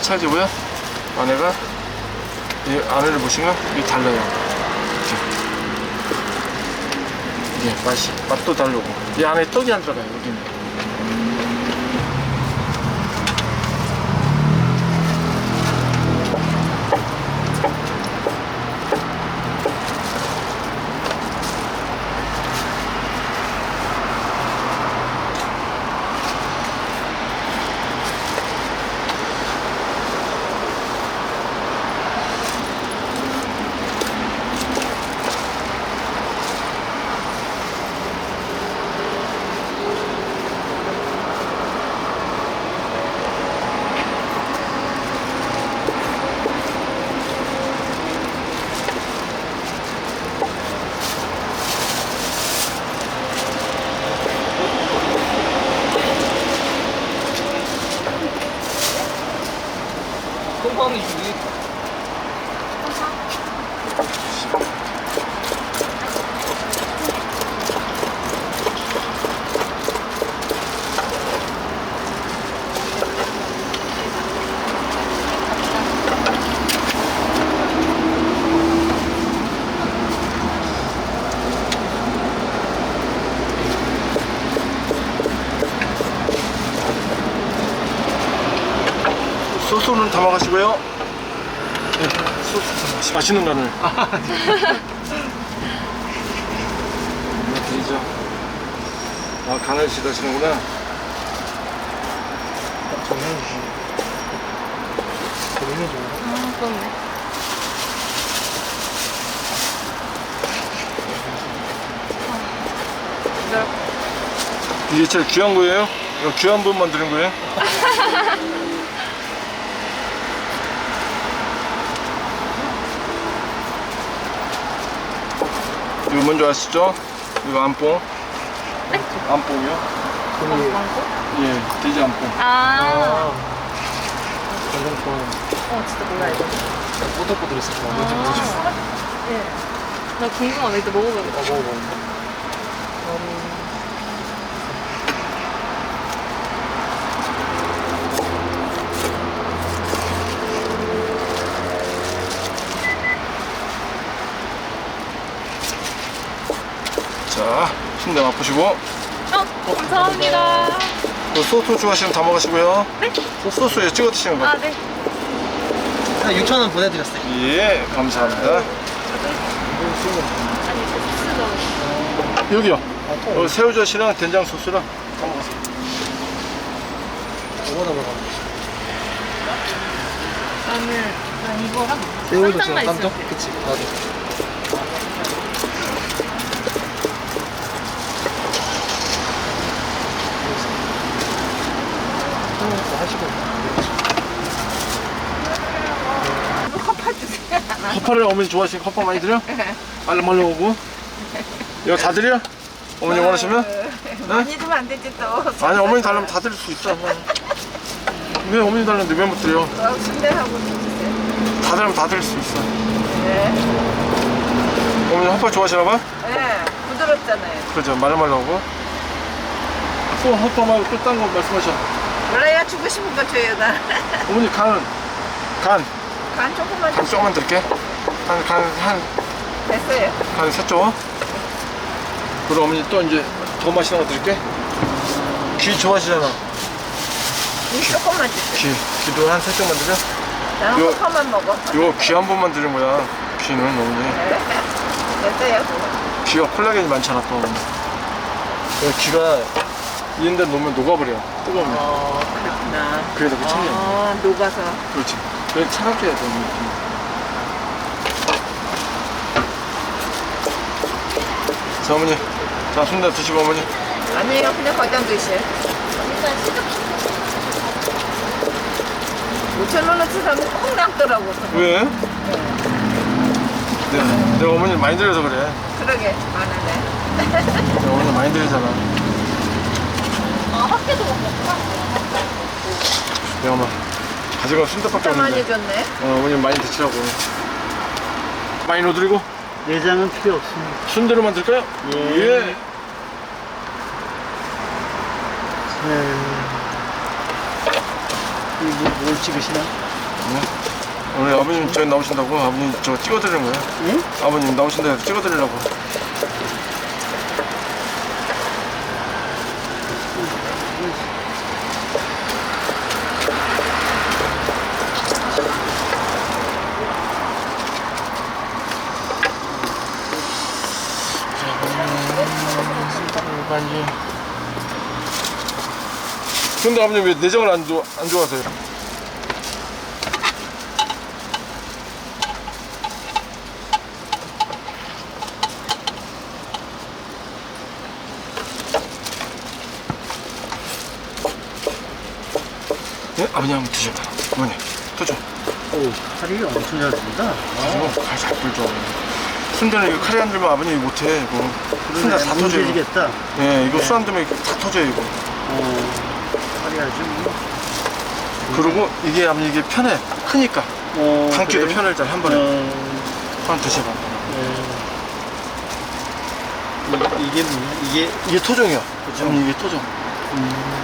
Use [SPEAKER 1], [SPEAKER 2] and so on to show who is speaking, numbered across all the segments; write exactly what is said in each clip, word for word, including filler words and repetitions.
[SPEAKER 1] 찰지고요. 안에가 이 안에를 보시면 이게 달라요. 이게 예, 맛이 맛도 다르고 이 안에 떡이 안 들어가요. 여기는.
[SPEAKER 2] 콩빵이 주기.
[SPEAKER 1] 소스는 담아가시고요. 네, 소스 맛있는 간을. 드리죠. 아, 간을 지다시는구나.
[SPEAKER 2] 정해주지. 정해줘.
[SPEAKER 3] 아, 그렇네.
[SPEAKER 1] 이게 제일 귀한 거예요? 이거 귀한 분만 드린 거예요? 이거 뭔지 아시죠? 이거 안뽕.
[SPEAKER 3] 네?
[SPEAKER 1] 안뽕이요?
[SPEAKER 2] 우리
[SPEAKER 1] 예, 돼지 안뽕.
[SPEAKER 3] 아,
[SPEAKER 2] 완전 좋아요.
[SPEAKER 3] 어, 진짜 몰라, 이거.
[SPEAKER 2] 꼬들꼬들했어. 좋아. 뭔지
[SPEAKER 3] 아,
[SPEAKER 2] 모르겠어.
[SPEAKER 3] 예. 나 궁금하네. 이따 먹어봐야겠다.
[SPEAKER 2] 아, 먹어봐.
[SPEAKER 1] 자, 순대 맛보시고.
[SPEAKER 3] 어, 감사합니다.
[SPEAKER 1] 또 소스 좋아하시면 다 먹으시고요.
[SPEAKER 3] 네?
[SPEAKER 1] 소스에 찍어 드시는 거.
[SPEAKER 3] 아, 네.
[SPEAKER 2] 한 육천 원 보내드렸어요.
[SPEAKER 1] 예, 감사합니다.
[SPEAKER 3] 아니, 소스가.
[SPEAKER 1] 여기요.
[SPEAKER 2] 아, 또
[SPEAKER 1] 어, 새우젓이랑 된장 소스랑 다 먹었어요.
[SPEAKER 2] 뭐보다 먹어.
[SPEAKER 3] 나는, 난 이거랑
[SPEAKER 2] 새우젓이랑
[SPEAKER 3] 쌈장만
[SPEAKER 2] 깜짝?
[SPEAKER 3] 있으면 돼.
[SPEAKER 2] 그치, 나도. 하시고.
[SPEAKER 3] 컵파 주세요.
[SPEAKER 1] 허파를 어머니 좋아하시니까 허파 많이 드려? 빨리 말려 오고. 이거 다 드려? 어머니 원하시면?
[SPEAKER 4] 많이 주면 안 되지 또.
[SPEAKER 1] 아니, 어머니 달라면 다 드릴 수 있어. 왜 어머니 달라는데 왜 못 드려?
[SPEAKER 4] 어, 순대하고 주세요.
[SPEAKER 1] 다 드리면 다 드릴 수 있어.
[SPEAKER 4] 네.
[SPEAKER 1] 어머니 허파 좋아하시나 봐?
[SPEAKER 4] 네. 부드럽잖아요.
[SPEAKER 1] 그죠, 말로 말로 하고. 또 허파 말고 또 딴 거 말씀하셔.
[SPEAKER 4] 몰라야 주고 싶은 거 줘요 나.
[SPEAKER 1] 어머니 간은? 간.
[SPEAKER 4] 간 조금만
[SPEAKER 1] 간 조금만 드릴게. 간, 간, 한,
[SPEAKER 4] 됐어요.
[SPEAKER 1] 간 세 쪽. 그리고 어머니 또 이제 더 맛있는 거 드릴게. 귀 좋아하시잖아.
[SPEAKER 4] 이 조금만 주세요.
[SPEAKER 1] 귀. 귀도 한 세 쪽만 드려?
[SPEAKER 4] 나는
[SPEAKER 1] 요-
[SPEAKER 4] 호파만 먹어.
[SPEAKER 1] 이거 귀 한 번만 드린 거야. 귀는 어머니.
[SPEAKER 4] 네. 됐어요. 그거.
[SPEAKER 1] 귀가 콜라겐이 많잖아 또. 그 귀가 이런 데 놓으면 녹아버려. 뜨거우면.
[SPEAKER 4] 어, 그렇구나.
[SPEAKER 1] 그래서 그 천년.
[SPEAKER 4] 아, 녹아서.
[SPEAKER 1] 그렇지. 그래 차갑게 해야 돼. 어머니. 자, 어머니. 자, 순대 드시고 어머니.
[SPEAKER 4] 아니에요. 그냥 거기다 드세요. 오천 원어치 사면 콩 남더라고.
[SPEAKER 1] 왜? 네, 내가 어머니 많이 드려서 그래.
[SPEAKER 4] 그러게, 많으네.
[SPEAKER 1] 내가 어머니 많이 드리잖아.
[SPEAKER 3] 아, 학교도 먹었구나.
[SPEAKER 1] 내가 막 가져가 순대밖에
[SPEAKER 4] 진짜 많이
[SPEAKER 1] 없는데.
[SPEAKER 4] 줬네.
[SPEAKER 1] 어, 어머니 많이 드시라고. 많이 넣어드리고
[SPEAKER 2] 내장은 필요 없습니다.
[SPEAKER 1] 순대로만 드릴까요? 예.
[SPEAKER 2] 네. 이거 뭘 찍으시나?
[SPEAKER 1] 네? 오늘 아버님 저기 나오신다고 아버님 저 찍어드리는 거예요.
[SPEAKER 2] 응?
[SPEAKER 1] 아버님 나오신다 해서 찍어드리려고. 근데 아버님 왜 내장을 안, 좋아, 안 좋아하세요? 네? 아버님 한번 드셔봐. 어머니, 터져.
[SPEAKER 2] 오, 칼이 엄청 잘 든다.
[SPEAKER 1] 이거 칼잘 불죠. 순대는 이거 칼이 안 들면 아버님이 못해. 이거 순대 다 터져요.
[SPEAKER 2] 뭉개지겠다.
[SPEAKER 1] 네, 이거
[SPEAKER 2] 네.
[SPEAKER 1] 술 안 들면 다 터져요, 이거.
[SPEAKER 2] 어, 칼이 아주. 뭐.
[SPEAKER 1] 그리고 이게 아버님 이게 편해. 크니까.
[SPEAKER 2] 어,
[SPEAKER 1] 감기도
[SPEAKER 2] 그래?
[SPEAKER 1] 편하잖아, 한 번에.
[SPEAKER 2] 어,
[SPEAKER 1] 한번 드셔봐.
[SPEAKER 2] 네. 이, 이게 뭐야? 이게
[SPEAKER 1] 이게 토종이야.
[SPEAKER 2] 토종?
[SPEAKER 1] 아버님 이게 토종.
[SPEAKER 2] 음,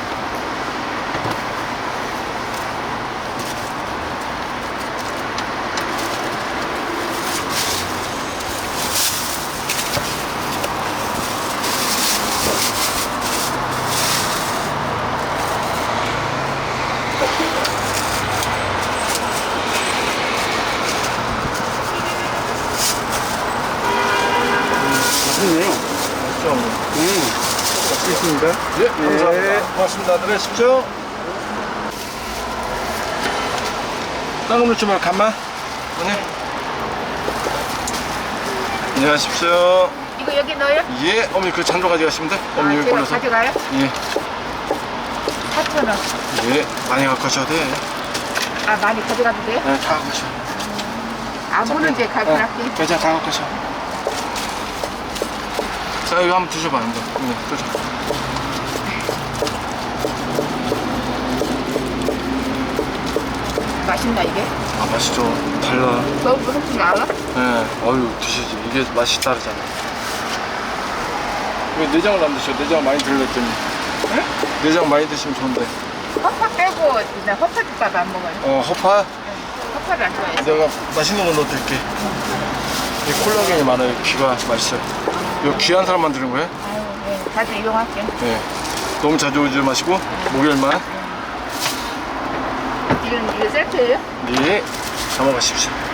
[SPEAKER 2] 맛있네요.
[SPEAKER 1] 맛있죠, 어머니?
[SPEAKER 2] 음, 맛있습니다.
[SPEAKER 1] 예, 감사합니다. 고맙습니다. 들으십시오. 땅을 넣지 말고 간만. 어머니. 안녕하십시오.
[SPEAKER 4] 이거 여기 넣어요?
[SPEAKER 1] 예, 어머니 그 잔도 가져가시면 돼.
[SPEAKER 4] 아,
[SPEAKER 1] 어머니
[SPEAKER 4] 제가
[SPEAKER 1] 골라서.
[SPEAKER 4] 가져가요?
[SPEAKER 1] 예,
[SPEAKER 4] 사천 원.
[SPEAKER 1] 예, 많이 갖고 가셔도 돼.
[SPEAKER 4] 아, 많이 가져가도 돼요?
[SPEAKER 1] 네, 다 갖고 가셔.
[SPEAKER 4] 안 보는데
[SPEAKER 1] 네,
[SPEAKER 4] 갈거할게.
[SPEAKER 1] 괜찮아, 다 갖고 가셔. 자, 이거 한번 드셔봐, 한번. 네, 드셔.
[SPEAKER 4] 맛있나 이게?
[SPEAKER 1] 아, 맛있죠. 달라.
[SPEAKER 4] 너무 훨씬 알아?
[SPEAKER 1] 네, 어유 드시지. 이게 맛이 다르잖아. 왜 내장을 안 드셔? 내장 많이 들렸더니.
[SPEAKER 4] 응?
[SPEAKER 1] 내장 많이 드시면 좋은데.
[SPEAKER 4] 허파 빼고 나 허파죽밥 안 먹어요.
[SPEAKER 1] 어, 허파?
[SPEAKER 4] 허파를 안 좋아해서.
[SPEAKER 1] 내가 맛있는 거 넣어드릴게. 이 콜라겐이 많아요. 귀가 맛있어요. 이거 귀한 사람만 드는 거예요?
[SPEAKER 4] 아유, 네. 자주 이용할게.
[SPEAKER 1] 네. 너무 자주 오지 마시고, 목요일만.
[SPEAKER 4] 이건 이거 세트예요?
[SPEAKER 1] 네. 담아가십시오.